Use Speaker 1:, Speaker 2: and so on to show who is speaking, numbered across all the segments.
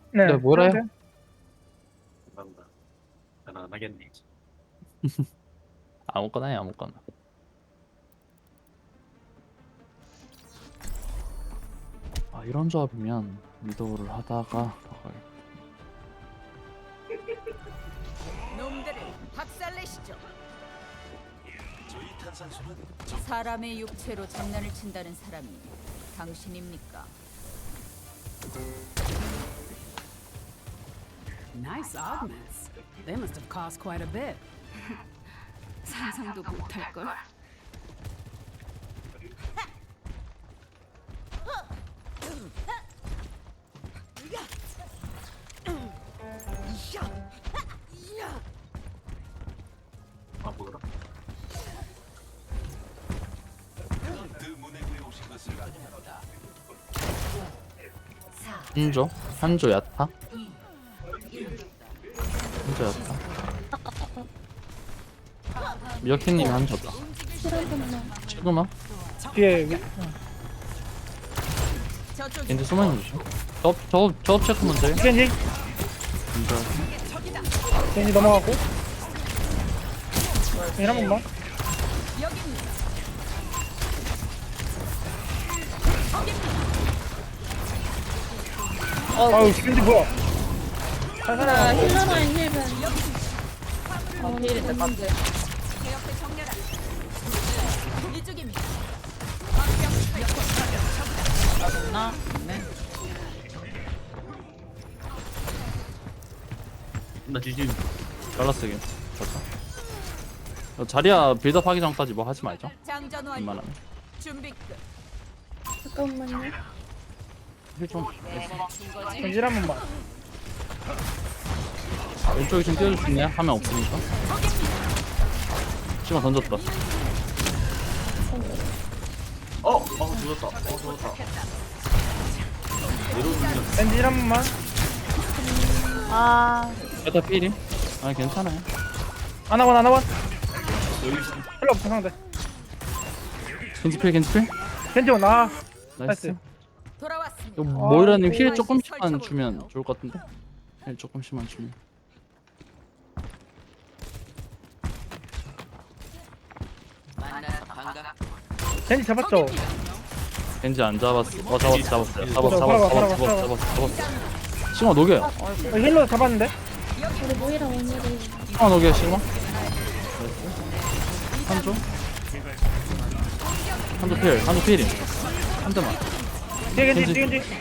Speaker 1: 네,
Speaker 2: 뭐래요?
Speaker 1: 해도 돼요.
Speaker 3: 감사합니다. 난 안 하겠네.
Speaker 2: 아무거나 해, 아무거나. 아, 이런 조합이면 미도를 하다가
Speaker 4: 놈들을 박살내시죠. 사람의 육체로 장난을 친다는 사람이 당신입니까?
Speaker 5: Nice augments. They must have cost quite a bit.
Speaker 6: 상상도 못할 걸.
Speaker 3: 아 뭐더라?
Speaker 2: 한조 야타? 한조 야타. 미어캣님이 한조다. 지금아?
Speaker 1: 뒤에
Speaker 4: 저쪽
Speaker 2: 겐지 숨어있는 중. 저업 체크 먼저 해.
Speaker 1: 겐지 겐지 넘어가고 겐지 한 번만.
Speaker 4: 여기입니다.
Speaker 1: 아유 겐지 뭐야?
Speaker 6: 나 힐러라인 힐벤. 힐인데 깜짝이야.
Speaker 4: 제 옆에 정렬한 이쪽입니다.
Speaker 6: 나? 네.
Speaker 3: 나 지금
Speaker 2: 잘랐어, 겐지. 좋다. 자리야 빌드업 하기 전까지 뭐 하지 말죠.
Speaker 4: 장전 완료.
Speaker 2: 웬만하면.
Speaker 4: 준비 끝.
Speaker 6: 잠깐만요.
Speaker 2: 힐좀
Speaker 1: 겐지 한 번만.
Speaker 2: 왼쪽에 좀 띄워줄 수 있냐? 하면 없으니까. 시간 던졌다.
Speaker 3: 죽었다. 죽었다. 내려오면
Speaker 1: 겐지 한 번만.
Speaker 6: 아,
Speaker 2: 야타 필임? 아니 괜찮아요.
Speaker 1: 하나원 하나원.
Speaker 3: 여기 있어.
Speaker 1: 필요 없어 상대.
Speaker 2: 겐지 필, 겐지 필.
Speaker 1: 겐지 원. 아
Speaker 2: 나이스.
Speaker 1: 나이스.
Speaker 4: 돌아왔습니다.
Speaker 2: 이거 모이라님 힐
Speaker 4: 오,
Speaker 2: 조금씩만
Speaker 4: 설정을
Speaker 2: 주면
Speaker 4: 해요.
Speaker 2: 좋을 것 같은데? 힐 조금씩만 주면.
Speaker 1: 겐지 잡았죠?
Speaker 2: 겐지 안 잡았어. 잡았어요.
Speaker 1: 살아봐.
Speaker 2: 잡았어. 시마 녹여요.
Speaker 1: 힐러 잡았는데?
Speaker 6: 우리 모이라 오늘이
Speaker 2: 시마 녹여요, 시마. 한조? 한조 필임. 한 대만.
Speaker 1: 뒤에
Speaker 2: 겐지.
Speaker 1: 겐지 뒤에 겐지.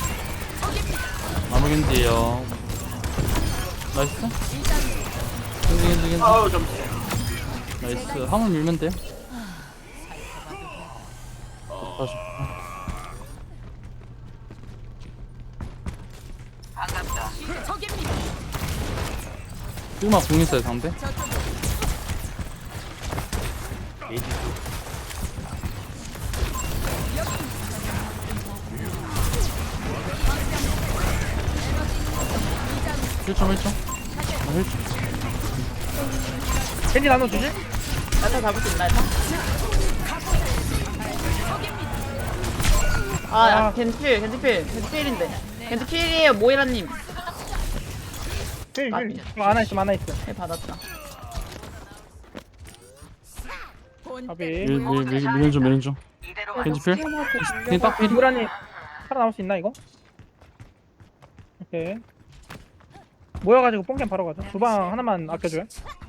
Speaker 2: 나무 겐지요. 나이스. 겐지.
Speaker 3: 아우 좀.
Speaker 2: 나이스. 화물 밀면 돼요. 다시.
Speaker 4: 저기입니다.
Speaker 2: 시마 공 있어요, 상대. 힐점. 힐점.
Speaker 1: 겐지 나눠주지?
Speaker 6: 나타 잡을 수 있나, 일단? 아, 야, 겐지필인데. 겐지필이에요, 모이라님.
Speaker 1: 힐. 하나 있어 하나 있어.
Speaker 6: 네, 받았다.
Speaker 1: 아비.
Speaker 2: 밀는 중. 겐지 필. 겐지 딱 필.
Speaker 1: 무라니 살아남을 수 있나 이거? 오케이. 모여가지고 뽕캠 바로 가자. 주방 하나만 아껴줘요.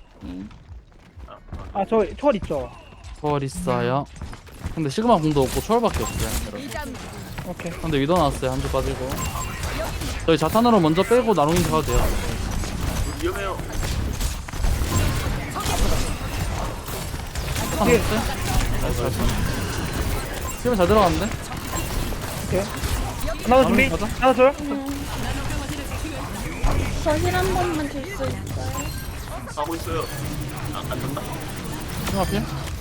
Speaker 1: 아 저 초월 있죠?
Speaker 2: 초월 있어요. 근데 시그마 공도 없고 초월밖에 없어요. 여러분.
Speaker 1: 오케이.
Speaker 2: 근데 위도 나왔어요. 한조 빠지고. 저희 자탄으로 먼저 빼고 나롱인 가도 돼요.
Speaker 3: 위험해요.
Speaker 2: 자탄 없어요? 나이스. 시그마 잘 들어갔는데?
Speaker 1: 오케이. 나도 준비.
Speaker 2: 가자.
Speaker 1: 나도 줘요.
Speaker 6: 저 힐 한 번만 줄 수 있어요?
Speaker 3: 가고 있어요. 안 된다.
Speaker 2: 시그마 필?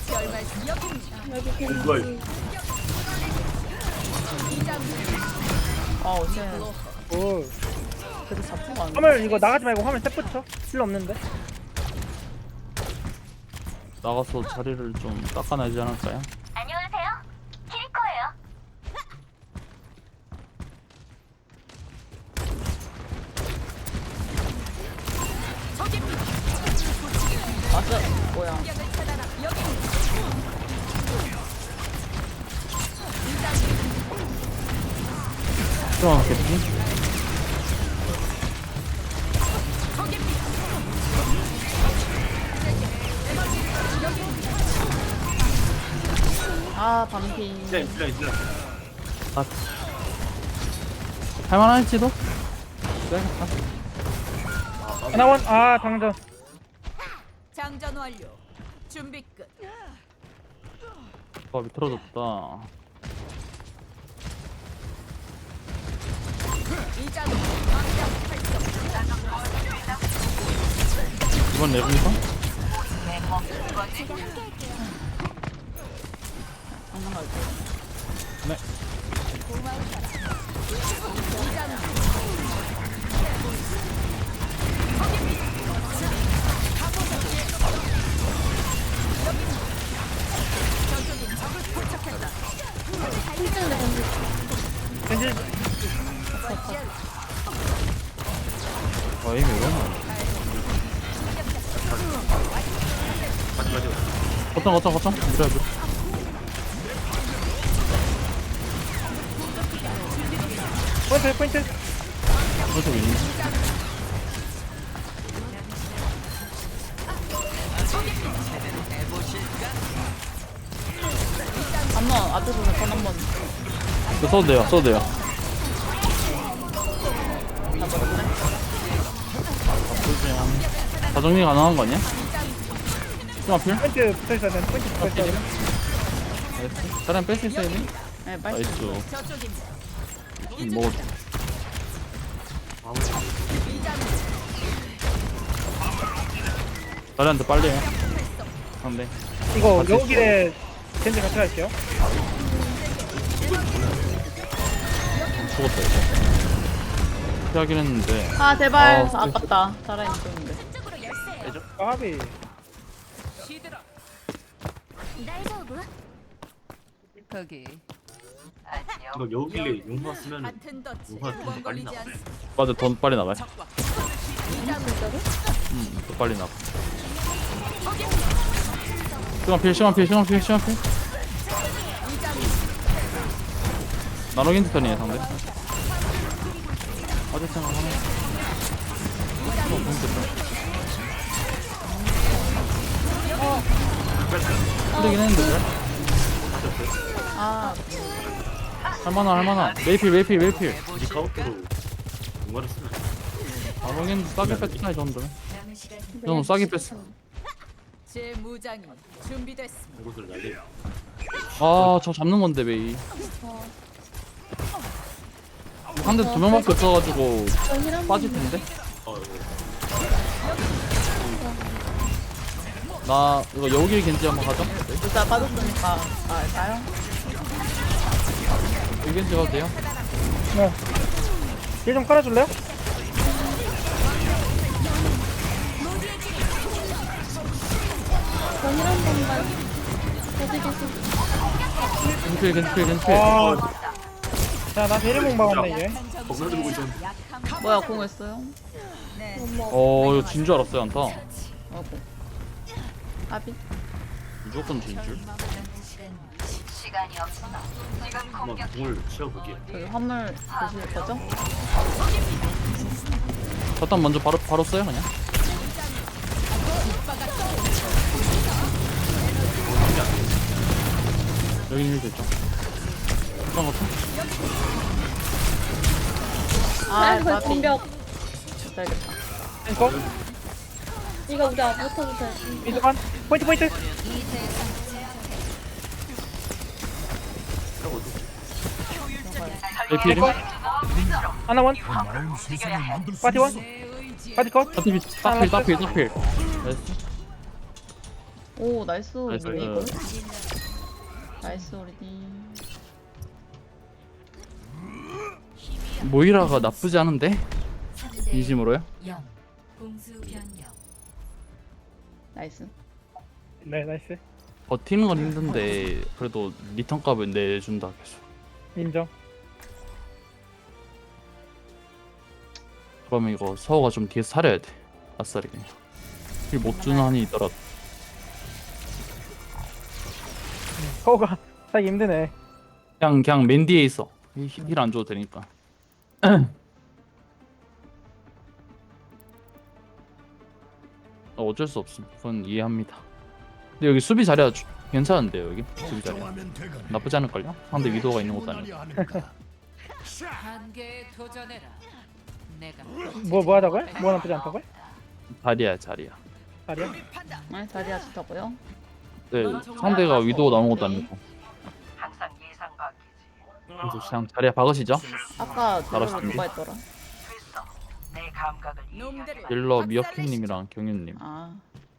Speaker 6: 여기
Speaker 3: 뭐야,
Speaker 6: 겐지.
Speaker 5: Oh, shit.
Speaker 1: 오.
Speaker 6: 그래도 잡힌 거안
Speaker 1: 화물 이거 나가지 말고 화물 셋 붙여. 필요 없는데.
Speaker 2: 나가서 자리를 좀 닦아내지 않을까요?
Speaker 7: 안녕하세요. 키리코예요.
Speaker 6: 뭐야?
Speaker 4: 공격을 차단하. 여기
Speaker 2: 들어가겠지?
Speaker 6: 아 반피.
Speaker 3: 진짜
Speaker 2: 아. 할만할지도? 그래야겠다.
Speaker 1: 하나원 아 당전.
Speaker 4: 장전 완료. 준비 끝.
Speaker 2: 아 비틀어졌다.
Speaker 4: 이자로 방장 활성.
Speaker 2: 이번 랩입니까?
Speaker 6: 장난 갈게.
Speaker 2: 네.
Speaker 1: 겐지
Speaker 2: 어이 이러나? 거점 밀어야 돼.
Speaker 1: 포인트.
Speaker 2: 그래서 윈.
Speaker 6: 한번 앞에서 전 한번
Speaker 2: 이거 써도 돼요.
Speaker 6: 잡아볼래?
Speaker 2: 나쁘지 않. 다 정리 가능한 거 아니야? 좀 앞필?
Speaker 1: 포인트 붙어 있어야 돼. 포인트 붙어 있어야 돼.
Speaker 2: 나이스. 다른 뺄 수 있어야 돼?
Speaker 6: 네 빨리.
Speaker 2: 나이스.
Speaker 4: 저쪽입니다.
Speaker 2: 먹어. 다리한테 빨리 해. 상대.
Speaker 1: 이거 여우길에 겐지 같이 갈게요.
Speaker 2: 죽었다 이거. 피하긴 했는데.
Speaker 6: 아 제발.
Speaker 2: 아,
Speaker 6: 아깝다. 살아있는 쪽인데.
Speaker 4: 쪽으로 열쇠.
Speaker 1: 까비.
Speaker 4: 시들어.
Speaker 5: 거기.
Speaker 3: 이거 여우길래 용화 쓰면
Speaker 4: 같은 덫이
Speaker 3: 누가 좀
Speaker 4: 두번
Speaker 3: 빨리
Speaker 4: 걸리지
Speaker 3: 나와.
Speaker 4: 않습니다.
Speaker 2: 맞아, 돈 빨리 나가요. 더 빨리 나가. 시간 필. 나노긴트 편이에요, 상대. 어제 생각하네. 힘들긴 했는데, 그래?
Speaker 6: 아
Speaker 2: 할만한. 메이필.
Speaker 3: 이 카운트로 용화를 쓰면
Speaker 2: 나노긴트 싸게 뺐다, 이 정도면. 이 정도 싸게 뺐어.
Speaker 4: 제 무장이 준비됐습니다.
Speaker 3: 이것을 날려.
Speaker 2: 아, 저 잡는 건데, 메이. 상대 두 명밖에 없어가지고 빠질 텐데. 나 이거 여우길 겐지 한번 가죠.
Speaker 6: 진짜 빠졌으니까 가요?
Speaker 2: 여기 겐지 가도 돼요?
Speaker 1: 네. 힐좀 깔아줄래요?
Speaker 2: 겐지.
Speaker 1: 와. 자나 대리봉 막았네 얘.
Speaker 3: 겁나 들고 있었는데.
Speaker 6: 뭐야 공 했어요?
Speaker 4: 네.
Speaker 2: 이거 진 줄 알았어요, 안타.
Speaker 6: 어고. 아비.
Speaker 2: 무조건 진 줄.
Speaker 3: 한번 공을 치워보게.
Speaker 6: 저기 화물 보실 거죠?
Speaker 2: 자탄 먼저 바로 써요, 그냥. 여기 힐 됐죠. 그런 것도.
Speaker 6: 아
Speaker 7: 그
Speaker 6: 아비.
Speaker 7: 공격
Speaker 6: 잘겠다.
Speaker 1: 이거
Speaker 7: 이거 우리 못하고 돼.
Speaker 1: 이동한 포인트.
Speaker 2: 메이필이?
Speaker 1: 하나원. 파티원. 파티컷.
Speaker 2: 따필. 나이스.
Speaker 6: 오 나이스 우리
Speaker 2: 나이스.
Speaker 6: 이걸. 나이스 우리 팀.
Speaker 2: 모이라가 나쁘지 않은데? 진심으로요?
Speaker 6: 나이스.
Speaker 1: 네 나이스.
Speaker 2: 버티는 건 힘든데 그래도 리턴 값을 내준다 계속.
Speaker 1: 인정.
Speaker 2: 그러면 이거 서호가 좀 뒤에서 살려야 돼. 아싸리 그냥. 힐 못 주는 한이 있더라도.
Speaker 1: 서우가 살기 힘드네.
Speaker 2: 그냥 맨 뒤에 있어. 힐 안 줘도 되니까. 어쩔 수 없음. 그건 이해합니다. 근데 여기 수비 자리가 괜찮은데요, 여기 수비 자리. 나쁘지 않을걸요? 상대 위도가 있는 것도 아니고.
Speaker 4: 한계에 도전해라. 내가
Speaker 1: 뭐 하자고요? 뭐 나쁘지 않다고요?
Speaker 2: 자리야.
Speaker 1: 자리야?
Speaker 6: 네, 자리야 좋다고요?
Speaker 2: 네, 상대가 위도 나온 것도 아니고. 그냥 자리야 박으시죠.
Speaker 6: 아까
Speaker 2: 알았어.
Speaker 6: 딜러 누가 했더라?
Speaker 4: 놈들을
Speaker 2: 딜러
Speaker 4: 박살내시죠.
Speaker 2: 미어캣님이랑 경윤님.
Speaker 6: 아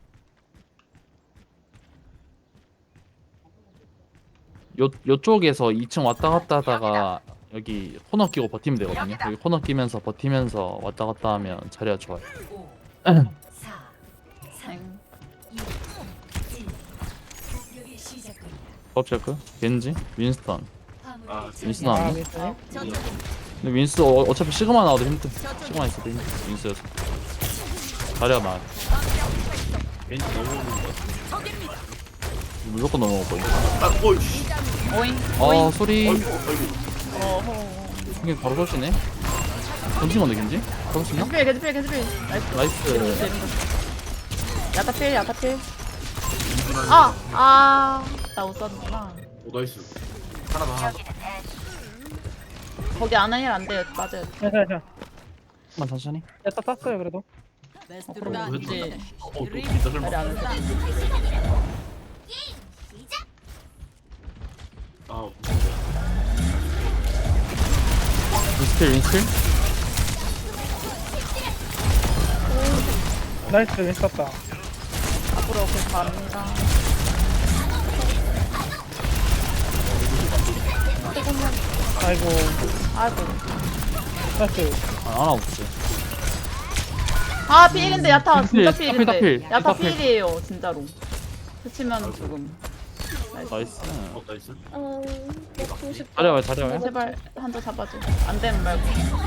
Speaker 2: 요쪽에서 2층 왔다 갔다 하다가 여기 코너 끼고 버티면 되거든요. 여기 코너 끼면서 버티면서 왔다 갔다 하면 자리가 좋아요.
Speaker 6: 생.
Speaker 2: 법체크, 겐지, 윈스턴.
Speaker 3: 아
Speaker 2: 윈스턴
Speaker 1: 아,
Speaker 2: 나왔네.
Speaker 1: 윈스턴이?
Speaker 2: 근데 윈스 어차피 시그마 나와도 힘들. 시그마 있어도 힘들. 윈스여서. 자리가 나아.
Speaker 3: 왠지 넘어오는 거 같아.
Speaker 2: 무조건 넘어올 거예요.
Speaker 3: 아 어이씨.
Speaker 6: 오잉.
Speaker 2: 소리.
Speaker 3: 어이구.
Speaker 6: 어허.
Speaker 2: 이게 바로 설치네. 던진 건데 겐지? 던진나
Speaker 6: 개즈필. 나이스.
Speaker 2: 나이스.
Speaker 6: 야타필. 나 웃었구나.
Speaker 3: 오 나이스. 하나.
Speaker 6: 거기 안하일 안 돼요. 맞아요.
Speaker 1: 괜찮아.
Speaker 2: 만 천천히.
Speaker 1: 야타 땄어요 그래도.
Speaker 6: 그럼 이제
Speaker 3: 너 진짜 설마.
Speaker 6: 자리 안 돼.
Speaker 3: 아
Speaker 2: 윈스킬.
Speaker 1: 나이스 윈스 땄다.
Speaker 6: 앞으로 계속 갑니다.
Speaker 1: 아이고 나이스.
Speaker 2: 하나 없지.
Speaker 6: 아 필인데 야타 진짜
Speaker 2: 필,
Speaker 6: 필인데
Speaker 2: 필.
Speaker 6: 야타
Speaker 2: 필.
Speaker 6: 필이에요 진짜로. 스치면 죽음.
Speaker 2: 나이스.
Speaker 3: 나이스.
Speaker 7: 먹고 싶다.
Speaker 2: 자리야 왜?
Speaker 6: 제발 한조 잡아줘. 안 되면 말고.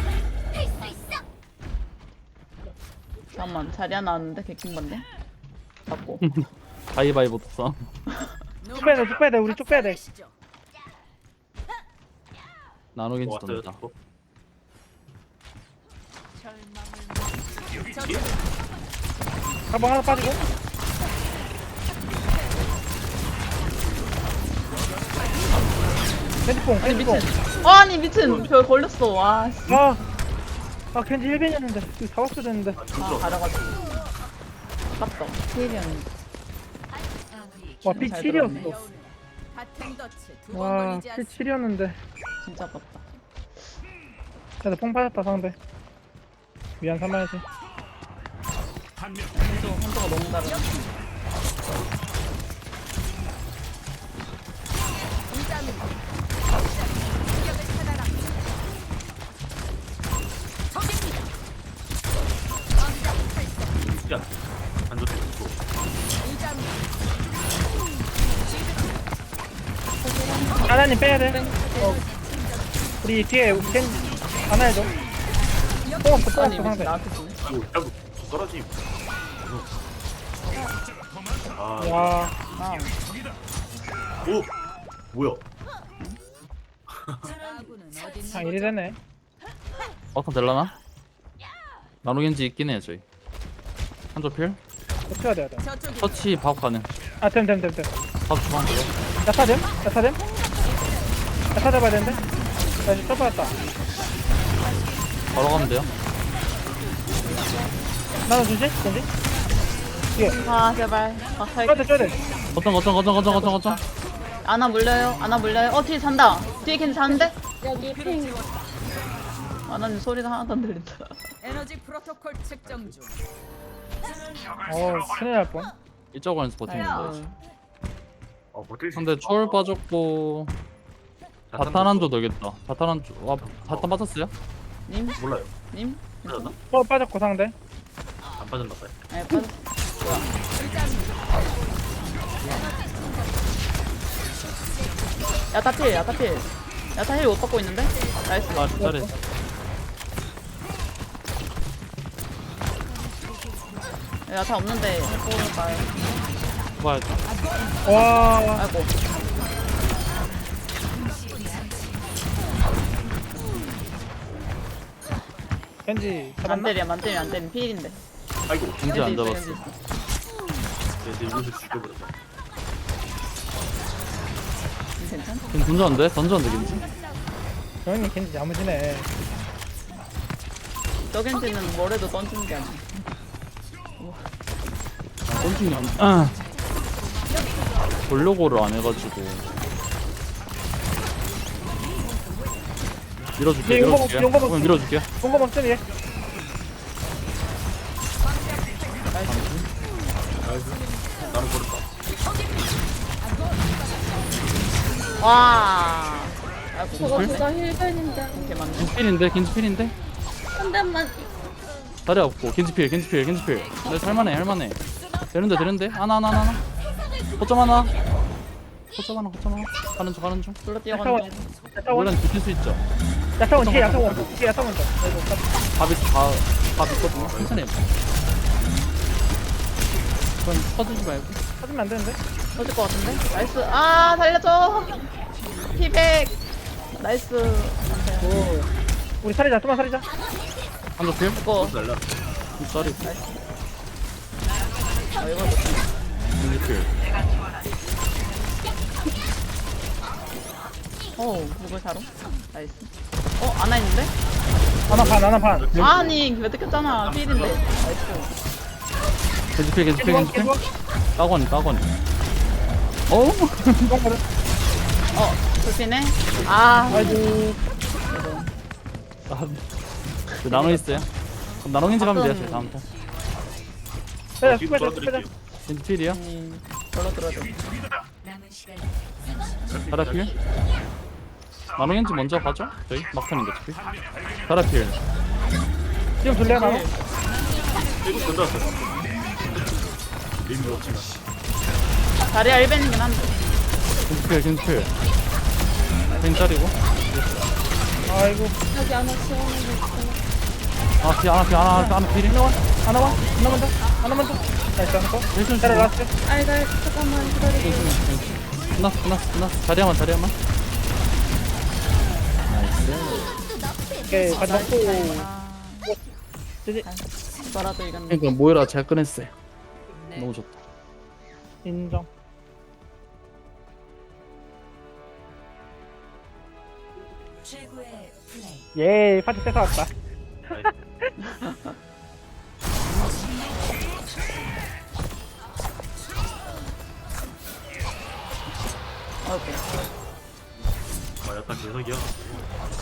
Speaker 6: 잠깐만 자리야 나왔는데 개킹 건데. 맞고.
Speaker 2: 가위바위보 떴어.
Speaker 1: 쭉 빼야 돼 우리 쭉 빼야 돼.
Speaker 2: 나노 겐지
Speaker 3: 왔어요.
Speaker 2: 던다.
Speaker 1: 가방 하나 빠지고. 핸드폰.
Speaker 6: 아니 미친 별 걸렸어. 와. 씨.
Speaker 1: 아 켄지 1벤이었는데 이거 잡았어야 되는데.
Speaker 6: 가려가지고. 아깝다. 필이었는데.
Speaker 1: 와피
Speaker 6: 잘
Speaker 1: 7이었어.
Speaker 4: 같은 덫에 두번
Speaker 1: 와
Speaker 4: 걸리지
Speaker 1: 피
Speaker 4: 않습니다.
Speaker 1: 7이었는데.
Speaker 6: 진짜 아깝다.
Speaker 1: 그래도 뽕 빠졌다 상대. 미안 삼아야지.
Speaker 6: 한조가 너무 다르다.
Speaker 3: 야. 안 좋다.
Speaker 1: 하나님 빼야 돼. 우리 뒤에 켄 하나 해줘. 뽕 없어
Speaker 6: 아니 미친
Speaker 1: 상대.
Speaker 6: 나한테 주네.
Speaker 3: 아이고 떨어짐. 아.
Speaker 1: 와
Speaker 6: 아.
Speaker 3: 오. 뭐야?
Speaker 4: 아군은 어딨는
Speaker 1: 아 이리 되네.
Speaker 2: 어떤 될라나? 나노 겐지 있긴 해 저희. 한조 필.
Speaker 1: 어떻게 해야 돼?
Speaker 4: 저쪽이
Speaker 2: 터치 바업 가능.
Speaker 1: 아됨.
Speaker 2: 바업 주방 돼요.
Speaker 1: 야타됨? 야타 잡아야 되는데? 나 지금 떠받았다.
Speaker 2: 바로 가면 돼요.
Speaker 1: 나는 주지? ken지? 뒤에.
Speaker 6: 아 제발. 아 살게.
Speaker 1: 줘야 돼.
Speaker 2: 거점.
Speaker 6: 아나 물려요. 뒤에 잔다. 뒤에 걘 자는데?
Speaker 7: 여기 핑.
Speaker 6: 아나님 소리가 하나도 안 들린다.
Speaker 4: 에너지 프로토콜 측정 중.
Speaker 1: 큰일 날 뻔.
Speaker 2: 이쪽으로서 버티면 돼.
Speaker 6: 아이고.
Speaker 3: 버틸 수
Speaker 2: 근데 초월 빠졌고 바탄 한조 되겠다. 바탄 한조. 와 바탄 빠졌어요?
Speaker 6: 님?
Speaker 3: 몰라요.
Speaker 6: 님?
Speaker 3: 빠졌나?
Speaker 1: 빠졌고 상대.
Speaker 3: 안 빠졌나 봐요.
Speaker 6: 네 빠졌어. 야타필. 야타 힐 못 받고 있는데? 나이스.
Speaker 2: 아 잘해.
Speaker 6: 야타 없는데 해보니까.
Speaker 2: 봐야죠.
Speaker 1: 와
Speaker 6: 아이고.
Speaker 1: 겐지
Speaker 6: 안
Speaker 1: 잡았나?
Speaker 6: 때려 안 때려 안 때려 필인데.
Speaker 3: 아이고.
Speaker 2: 겐지 안
Speaker 6: 있어,
Speaker 2: 잡았어.
Speaker 6: 겐지 있어.
Speaker 3: 내 이곳을 죽여버렸다.
Speaker 6: 괜찮아?
Speaker 2: 겐지 던졌는데? 던졌는데 겐지?
Speaker 1: 형님 겐지 야무지네.
Speaker 6: 저 겐지는 뭐래도 던지는 게 아니야.
Speaker 2: 던진 게 아니야. 보려고를 안 해가지고. 밀어줄게,
Speaker 1: 네, 용검
Speaker 2: 밀어줄게.
Speaker 1: 없- 용검 없-
Speaker 2: 오늘 밀어줄게.
Speaker 1: 공검 없더니 얘.
Speaker 3: 나는 버렸다.
Speaker 6: 와. 아이고
Speaker 7: 저거
Speaker 2: 헐?
Speaker 7: 둘다 힐벤인데.
Speaker 6: 이렇게 많네.
Speaker 2: 겐지필인데, 겐지필인데?
Speaker 7: 한 대만.
Speaker 2: 다리 없고, 겐지필. 내 할만해. 되는데? 하나. 거점 하나. 가는 중.
Speaker 6: 둘러
Speaker 1: 야타원
Speaker 6: 뛰어가는 중.
Speaker 1: 야타원
Speaker 2: 물론 지킬 수 있죠.
Speaker 1: 야타원 뒤에 야타원 뒤에 야타원 더.
Speaker 2: 밥이 있거든요. 천천히 해봐. 그건 터지지 말고.
Speaker 1: 찾으면 안 되는데?
Speaker 6: 터질 것 같은데? 나이스. 아 살려줘. 피백. 나이스.
Speaker 1: 오. 우리 살리자. 좀만 살리자.
Speaker 2: 한쪽 필?
Speaker 6: 이거.
Speaker 3: 날라.
Speaker 2: 짤이.
Speaker 6: 아 이거
Speaker 2: 겐지필.
Speaker 6: 목을 사러. 나이스. 안나 있는데?
Speaker 1: 하나 반.
Speaker 6: 아니 왜 뜯겼잖아. 필인데. 나이스.
Speaker 2: 겐지필.
Speaker 1: 겐지
Speaker 2: 따거니.
Speaker 1: 겐지
Speaker 6: 불피네. 아.
Speaker 1: 아이고.
Speaker 2: 나눠 있어요. 그럼 나눠 겐지 가면 돼요. 저희 다음 턴.
Speaker 1: 빼자.
Speaker 3: 뒤로
Speaker 1: 빼자.
Speaker 3: 돌아드릴게요.
Speaker 2: 겐지필이요?
Speaker 6: 걸어 들어줘.
Speaker 2: 다라필? 나눠 겐지 먼저 가죠? 저희 막판인데 어차피. 다라필.
Speaker 1: 지금 줄래 나?
Speaker 3: 이거 던졌어. 림 놓지 마.
Speaker 6: 다리야 1벤이긴 한데.
Speaker 2: 겐지필. 겐짜리고.
Speaker 1: 아이고.
Speaker 7: 여기 안에 지원하고 있어.
Speaker 2: 하나 필이.
Speaker 1: 하나만 더. 나이스 하나 더.
Speaker 2: 힐좀
Speaker 1: 때려 라스트.
Speaker 7: 알갈 잠깐만 기다리고.
Speaker 2: 끝났어. 자리야만.
Speaker 1: 오케이. 가지 먹고. 지지.
Speaker 6: 너라도 이겼네.
Speaker 2: 그러니까 모이라 잘 꺼냈어요. 너무 좋다.
Speaker 1: 인정. 예, 파티 뺏어 왔다.
Speaker 6: 오케이.
Speaker 3: 약간 개석이야.